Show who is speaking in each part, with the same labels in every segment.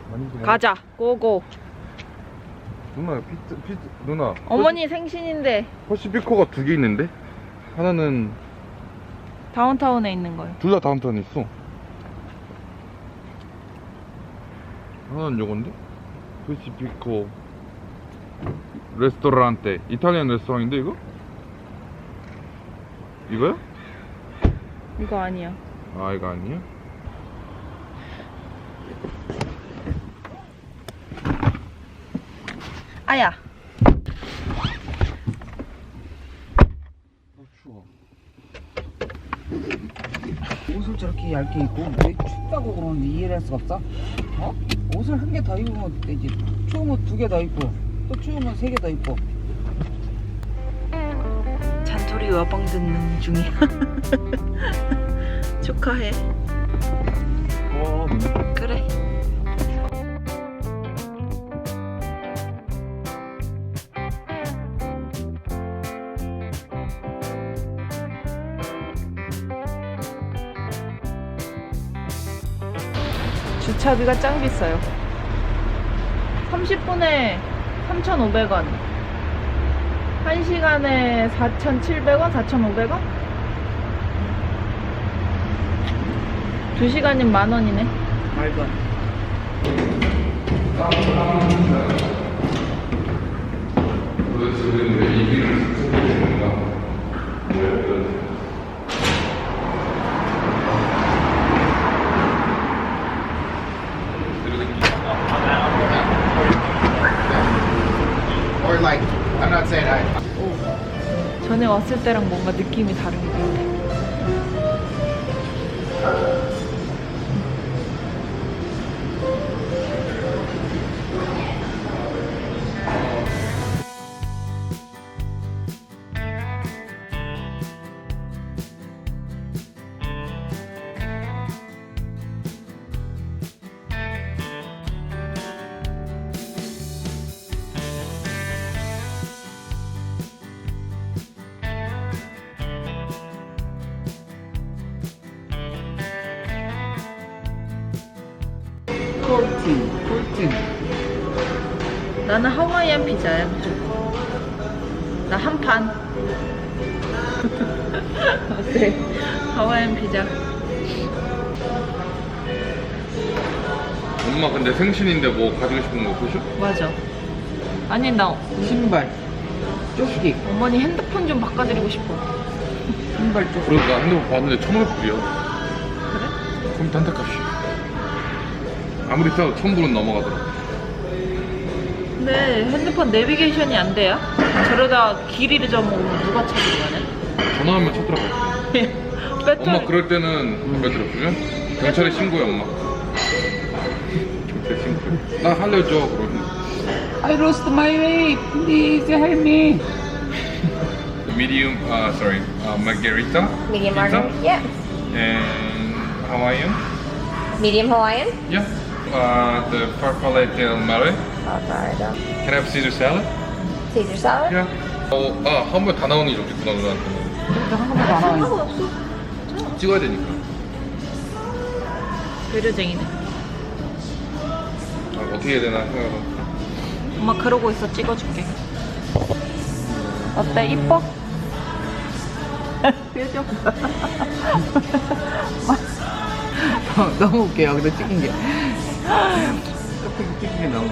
Speaker 1: 가자. 고고.
Speaker 2: 누나 누나
Speaker 1: 어머니 생신인데
Speaker 2: 퍼시피코가 2개 있는데 하나는
Speaker 1: 다운타운에 있는 거요.
Speaker 2: 둘 다 다운타운에 있어. 하나는 요건데 퍼시피코 레스토랑테 이탈리안 레스토랑인데 이거? 이거야?
Speaker 1: 이거 아니야.
Speaker 2: 아 이거 아니야?
Speaker 1: 아야.
Speaker 2: 추워.
Speaker 3: 옷을 저렇게 얇게 입고 왜 춥다고 그러는지 이해를 할 수가 없어? 어? 옷을 한 개 더 입으면 되지. 추우면 2개 더 입고 또 추우면 3개 더 입고.
Speaker 1: 잔소리 와방 듣는 중이야. 축하해. 그래. 주차비가 짱 비싸요. 30분에 3,500원. 1시간에 4,700원, 4,500원? 2시간이면 10,000원이네.
Speaker 3: 말도 안 돼.
Speaker 2: 도대체 우리는 왜 이 길을 선택해 건가?
Speaker 4: Or like, I'm not saying I.
Speaker 1: 전에 왔을 때랑 뭔가 느낌이 다른 것 같아.
Speaker 3: 콜틴.
Speaker 1: 나는 하와이안 피자야 무조건. 나 한 판. 어때? 하와이안 피자.
Speaker 2: 엄마 근데 생신인데 뭐 가지고 싶은 거 보셔?
Speaker 1: 맞아. 아니 나
Speaker 3: 신발. 조끼.
Speaker 1: 어머니 핸드폰 좀 바꿔드리고 싶어.
Speaker 3: 신발 조끼.
Speaker 2: 그래서 나 핸드폰 봤는데 1,500불이야.
Speaker 1: 그래?
Speaker 2: 그럼 단타값이 아무리 싸도 1,000불은 넘어가더라.
Speaker 1: 근데 핸드폰 내비게이션이 안 돼요? 저러다 길 잃어먹으면 누가 찾으러 가냐?
Speaker 2: 전화하면 쳐들어가.
Speaker 1: 배터리.
Speaker 2: 엄마 그럴 때는 몇 들었으면 경찰에 신고해 엄마. 경찰에 신고해. 나 살려줘 그러면.
Speaker 3: I lost my way. Please help me.
Speaker 2: Medium, margarita.
Speaker 5: Medium
Speaker 2: pizza,
Speaker 5: margarita? Yeah.
Speaker 2: And Hawaiian.
Speaker 5: Medium Hawaiian?
Speaker 2: Yeah. The farfalle del mare.
Speaker 5: Alright.
Speaker 2: Can I have Caesar salad?
Speaker 5: Caesar salad?
Speaker 2: Yeah. 한 번 다 나오는 게 좋겠구나 누나한테는.
Speaker 3: 그러니까 한 번도 안 하고.
Speaker 1: 상관없어.
Speaker 2: 찍어야 되니까.
Speaker 1: 배려쟁이네.
Speaker 2: 어떻게 해야 되나 생각하고.
Speaker 1: 엄마 그러고 있어. 찍어줄게. 어때? 이뻐? 표정.
Speaker 3: 너무 웃겨요. 근데 찍힌 게. 커피 찍힌 게 너무.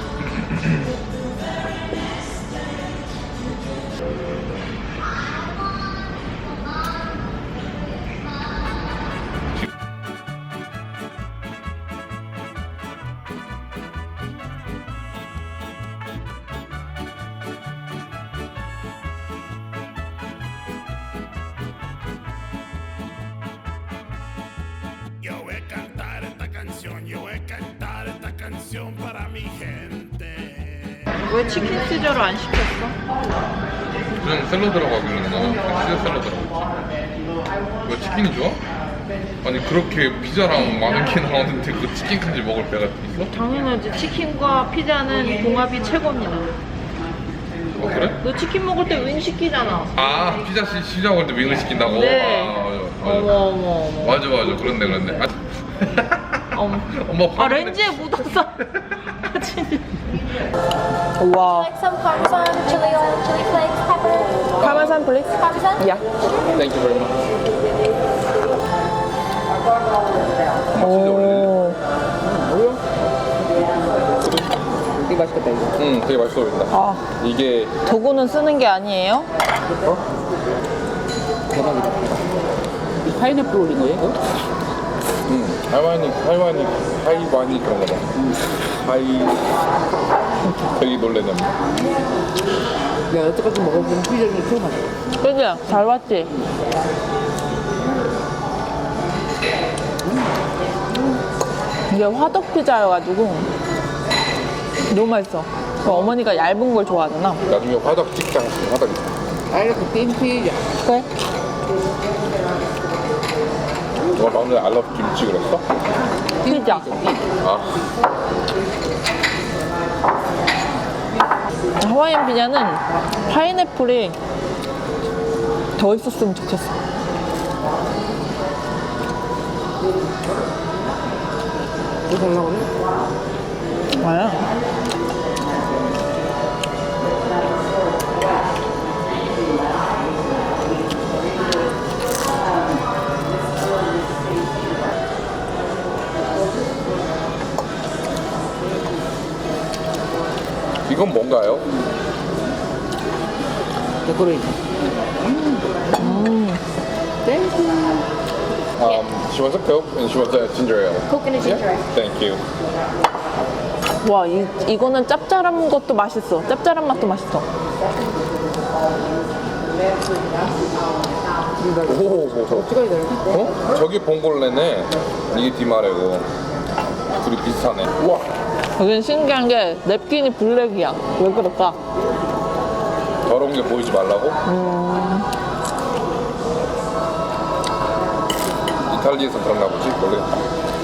Speaker 6: Yo voy a cantar esta canción, yo voy a cantar esta canción para mi gente.
Speaker 1: 왜 치킨 시저를 안 시켰어?
Speaker 2: 그냥 샐러드라고 하고 있는 거잖아. 피자 샐러드라고. 왜 치킨이 좋아? 아니 그렇게 피자랑 많은 게 나오는데 그 치킨까지 먹을 배가 있어?
Speaker 1: 당연하지. 치킨과 피자는 궁합이 최고입니다.
Speaker 2: 아 그래?
Speaker 1: 너 치킨 먹을 때 윙 시키잖아.
Speaker 2: 아 피자 시작할 때 윙을 시킨다고?
Speaker 1: 네.
Speaker 2: 아, 맞아.
Speaker 1: 어머 어머 어머.
Speaker 2: 맞아 그렇네. 아,
Speaker 1: 어머.
Speaker 2: 엄마
Speaker 1: 아 렌즈에 묻었어. 와.
Speaker 5: Like some parmesan, chili oil, chili flakes, pepper.
Speaker 1: Parmesan please.
Speaker 5: Parmesan?
Speaker 1: Yeah.
Speaker 2: Thank you very much.
Speaker 1: 오.
Speaker 3: 되게 맛있겠다 이거.
Speaker 2: 되게 맛있어 보인다.
Speaker 1: 아
Speaker 2: 이게
Speaker 1: 도구는 쓰는 게 아니에요?
Speaker 3: 대박이다. 이 파인애플 올린 거예요? 이거?
Speaker 2: 하이바니 그런 거다. 되게 놀래네.
Speaker 3: 내가 여태까지 먹어본 피자 중에 최고 맛있어.
Speaker 1: 그지? 잘 봤지? 이게 화덕 피자여가지고 너무 맛있어. 어머니가 얇은 걸 좋아하잖아.
Speaker 2: 나중에 화덕 찍자. 화덕.
Speaker 3: 아 이렇게 띵 피자.
Speaker 1: 그래?
Speaker 2: 너 방금 전에 알러브 김치 그랬어?
Speaker 1: 피자.
Speaker 2: 아,
Speaker 1: 하와이안 피자는 파인애플이 더 있었으면 좋겠어.
Speaker 3: 뭐 달라고 그래?
Speaker 1: 뭐야?
Speaker 2: 이건 뭔가요?
Speaker 3: 데코레이션.
Speaker 2: She wants a Coke and she wants a ginger ale.
Speaker 5: Coke and a ginger ale.
Speaker 2: Thank you.
Speaker 1: 와, 이거는 짭짤한 것도 맛있어. 짭짤한 맛도 맛있어.
Speaker 2: 오,
Speaker 3: 찍어야 되나?
Speaker 2: 어? 저기 봉골레네. 이게 디마레고. 둘이 비슷하네. 우와.
Speaker 1: 여기는 신기한 게 냅킨이 블랙이야. 왜 그럴까?
Speaker 2: 더러운 게 보이지 말라고? 이탈리아에서 그런가 보지? 모르겠다.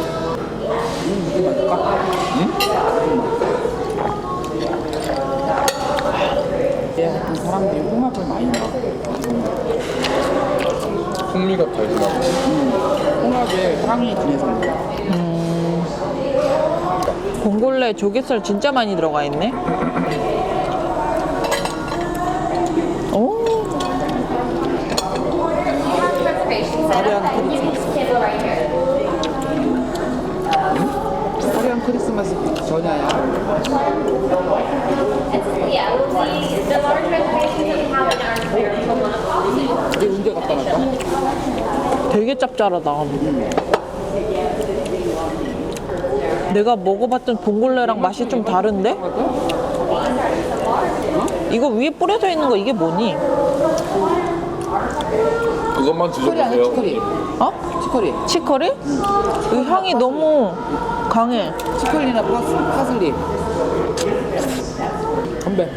Speaker 3: 얘 같은 사람들이 홍합을 많이 넣어.
Speaker 2: 풍미가 달지나 보지?
Speaker 3: 홍합에 향이 진해서 먹어.
Speaker 1: 봉골레 조개살 진짜 많이 들어가 있네. 오,
Speaker 3: 화려한 크리스마스. 화려한 크리스마스 전야야.
Speaker 5: Yeah, the large reservations that we have in our spiritual month.
Speaker 3: 이게 언제 갖다 놨다?
Speaker 1: 되게 짭짤하다. 내가 먹어봤던 봉골레랑 맛이 좀 다른데? 이거 위에 뿌려져 있는 거 이게 뭐니?
Speaker 2: 그것만
Speaker 3: 치커리 아니야
Speaker 2: 드셔보세요.
Speaker 3: 치커리.
Speaker 1: 어?
Speaker 3: 치커리.
Speaker 1: 치커리? 이 향이 너무 강해.
Speaker 3: 치커리나 파슬리. 건배.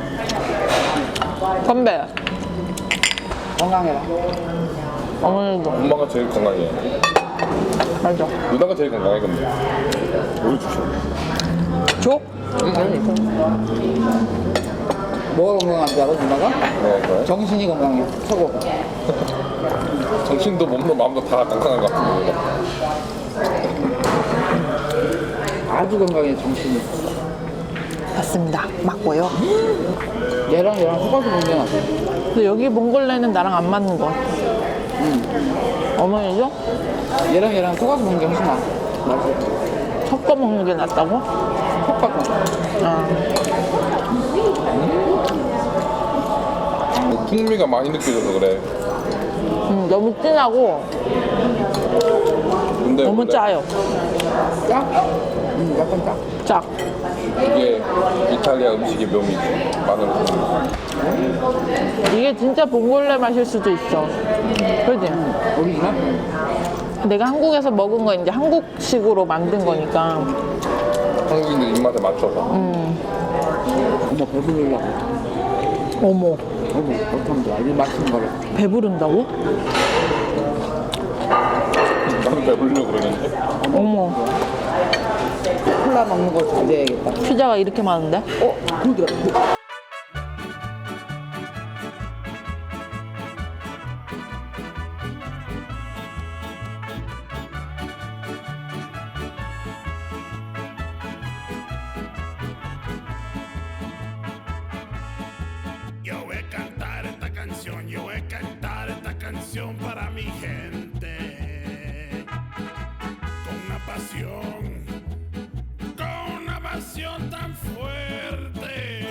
Speaker 1: 건배.
Speaker 3: 건강해라.
Speaker 1: 어머니도.
Speaker 2: 엄마가 제일 건강해.
Speaker 1: 맞아.
Speaker 2: 누나가 제일 건강해, 근데. 뭘 주셔?
Speaker 1: 줘?
Speaker 3: 뭐가 건강한 줄 알아 누나가?
Speaker 2: 네, 그래.
Speaker 3: 정신이 건강해. 최고.
Speaker 2: 정신도 몸도 마음도 다 건강한 것 같은데.
Speaker 3: 아주 건강해 정신이.
Speaker 1: 맞습니다. 맞고요.
Speaker 3: 얘랑 섞어서 먹는 게 낫아.
Speaker 1: 근데 여기 봉골레는 나랑 안 맞는 거 같아. 어머니죠?
Speaker 3: 얘랑 섞어서 먹는 게 훨씬 나아. 맛있어.
Speaker 1: 섞어 먹는 게 낫다고?
Speaker 3: 섞어서.
Speaker 1: 아.
Speaker 2: 풍미가 많이 느껴져서 그래.
Speaker 1: 너무 진하고
Speaker 2: 근데
Speaker 1: 너무
Speaker 2: 원래
Speaker 1: 짜요.
Speaker 3: 짜? 약간 짜.
Speaker 1: 짝.
Speaker 2: 이게 이탈리아 음식의 묘미지. 마늘.
Speaker 1: 이게 진짜 봉골레 맛일 수도 있어. 그지?
Speaker 3: 오리지널?
Speaker 1: 내가 한국에서 먹은 거 이제 한국식으로 만든 거니까.
Speaker 2: 한국인들 입맛에 맞춰서.
Speaker 3: 어머 배부르려고.
Speaker 1: 어머,
Speaker 3: 어머 어떡하면 좋아. 이 맛있는 거를.
Speaker 1: 배부른다고?
Speaker 2: 나도 배부르려고 그러는데.
Speaker 1: 어머,
Speaker 3: 콜라 먹는 거 자제해야겠다.
Speaker 1: 피자가 이렇게 많은데?
Speaker 3: 그러더라.
Speaker 6: canción para mi gente. Con una pasión tan fuerte.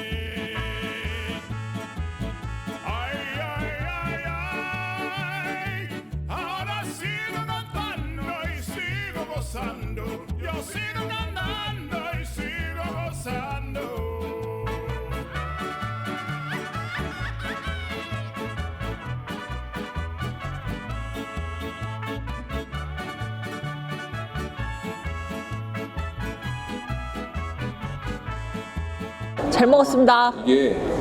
Speaker 6: Ay, ay, ay, ay. Ahora sigo cantando y sigo gozando. Yo sigo cantando y sigo gozando.
Speaker 1: 잘 먹었습니다.
Speaker 2: 이게